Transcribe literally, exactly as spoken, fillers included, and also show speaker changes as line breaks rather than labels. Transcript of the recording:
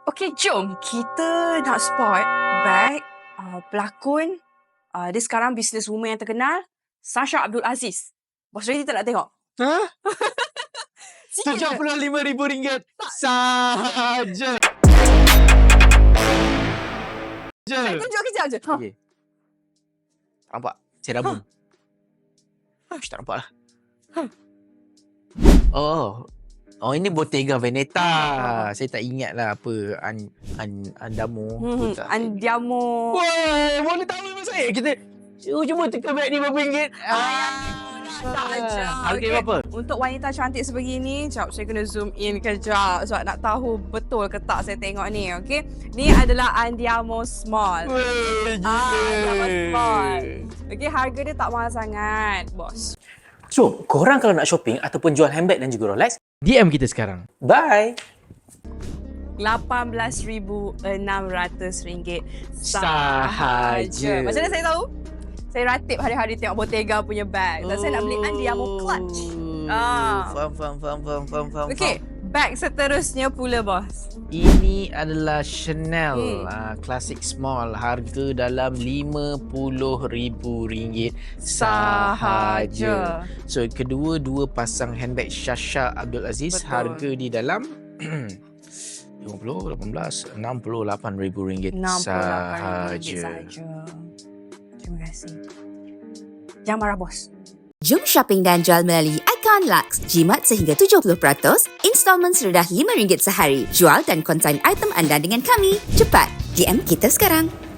Okey, jom kita nak spot bag uh, pelakon. Uh, dia sekarang businesswoman yang terkenal, Sasha Abdul Aziz. Bos ready tak nak tengok?
Ha?
Sikit
tujuh puluh lima ribu ringgit sahaja.
Saya tunjuk kejap je. Ha.
Okay. Tak nampak? Saya rabun. Ha. Ush, tak nampak lah.
Ha.
Oh. Oh, ini Bottega Veneta. Saya tak ingat lah apa. An, an, Andamo.
Hmm, Andiamo.
Wah, boleh tahu memang saya. Kita cuba teka beg ni berapa ringgit.
Ah, tak aja.
Harga berapa?
Untuk wanita cantik sebegini, sekejap saya kena zoom in kejap sebab nak tahu betul ke tak saya tengok ni, okey. Ni adalah Andiamo Small.
Weh, gila.
Ah, Andiamo Small. Okey, harga dia tak mahal sangat, bos.
So, korang kalau nak shopping ataupun jual handbag dan juga Rolex,
D M kita sekarang.
bye!
lapan belas ribu enam ratus ringgit
Sahaja.
Macam mana saya tahu? Saya ratib hari-hari tengok Bottega punya bag. Dan saya nak beli Andiamo Clutch. Ah.
Faham, faham, faham, faham, faham, faham.
Okey, bag seterusnya pula, bos.
Ini adalah Chanel
Hmm.
uh, Classic Small. Harga dalam lima puluh ribu ringgit sahaja. So, kedua dua pasang handbag Sasha Abdul Aziz.
Betul.
Harga di dalam lima puluh, lapan belas, enam puluh lapan ribu ringgit
enam puluh lapan ribu ringgit
sahaja.
sahaja. Terima kasih. Jangan marah, bos.
Jom shopping dan jual melalui Icon Lux. Jimat sehingga tujuh puluh peratus, installment serendah lima ringgit sehari. Jual dan konsign item anda dengan kami. Cepat, D M kita sekarang.